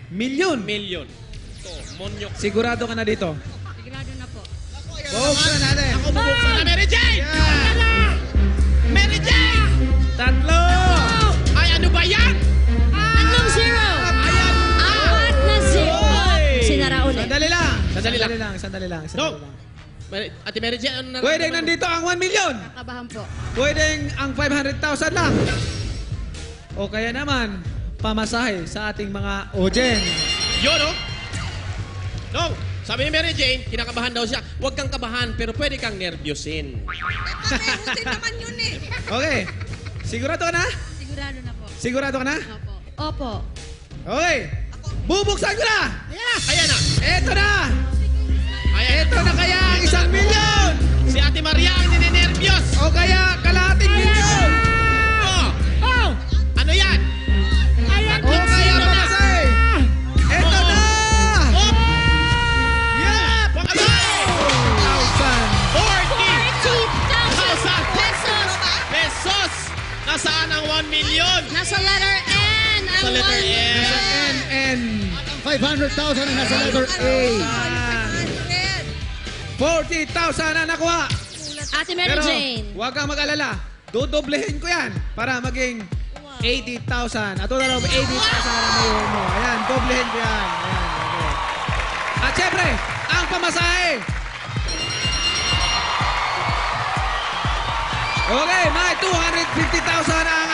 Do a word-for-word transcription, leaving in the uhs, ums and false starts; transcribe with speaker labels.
Speaker 1: milyon.
Speaker 2: Million. Ito, monyok.
Speaker 1: Sigurado ka na dito.
Speaker 3: Sigurado na po.
Speaker 1: Buksan natin.
Speaker 2: Ako bubuksan na, Mary Jane!
Speaker 1: Yan.
Speaker 2: Mary Jane!
Speaker 1: Tatlo.
Speaker 2: Ay, ano ba yan?
Speaker 3: Tatlong zero.
Speaker 2: Ayan!
Speaker 3: Apat na zero.
Speaker 1: Oy.
Speaker 3: Sinara ulit.
Speaker 1: Sandali lang.
Speaker 2: Sandali lang.
Speaker 1: Sandali lang. Sandali lang.
Speaker 2: No!
Speaker 1: Sandali lang.
Speaker 2: Mary- Ate Mary Jane, ano na?
Speaker 1: Pwedeng nandito ang one million.
Speaker 3: Kabahan po.
Speaker 1: Pwedeng ang five hundred thousand lang. O kaya naman, pamasahe sa ating mga Ojen.
Speaker 2: Yun, no? No! Sabi ni Mary Jane, kinakabahan daw siya. Huwag kang kabahan, pero pwede kang nervyosin.
Speaker 4: Meron naman yun eh.
Speaker 1: Okay. Sigurado ka na?
Speaker 3: Sigurado na po.
Speaker 1: Sigurado ka na?
Speaker 3: Opo. Opo.
Speaker 1: Okay. Bubuksan ko na!
Speaker 2: Ayan na!
Speaker 1: Eto na!
Speaker 2: Ayan
Speaker 1: Eto na kaya ang isang milyon!
Speaker 2: Si Ate Maria ang ninenervyos!
Speaker 1: O kaya kalahating milyon!
Speaker 2: Oh!
Speaker 3: Oh!
Speaker 2: Ano yan?
Speaker 3: Ayan.
Speaker 1: O kaya pamasahe! Eto na!
Speaker 2: Oh!
Speaker 1: Yeah!
Speaker 2: Pangabay!
Speaker 1: Thousand!
Speaker 2: forty
Speaker 3: thousand pesos.
Speaker 2: pesos! Nasaan ang one million?
Speaker 3: Nasa letter N. Ang
Speaker 2: Sa letter
Speaker 3: one
Speaker 2: N.
Speaker 1: Nasa N N.
Speaker 5: five hundred thousand ang nasa letter A.
Speaker 1: forty thousand na nakuha.
Speaker 3: Ate Mary
Speaker 1: Pero
Speaker 3: Jane.
Speaker 1: huwag kang mag-alala. Dodoblehin ko yan para maging eighty thousand. At total of eighty thousand na mayon mo. Ayan, doblehin ko yan. Ayan, okay. At syempre, ang pamasahe. Okay, may two hundred fifty thousand ang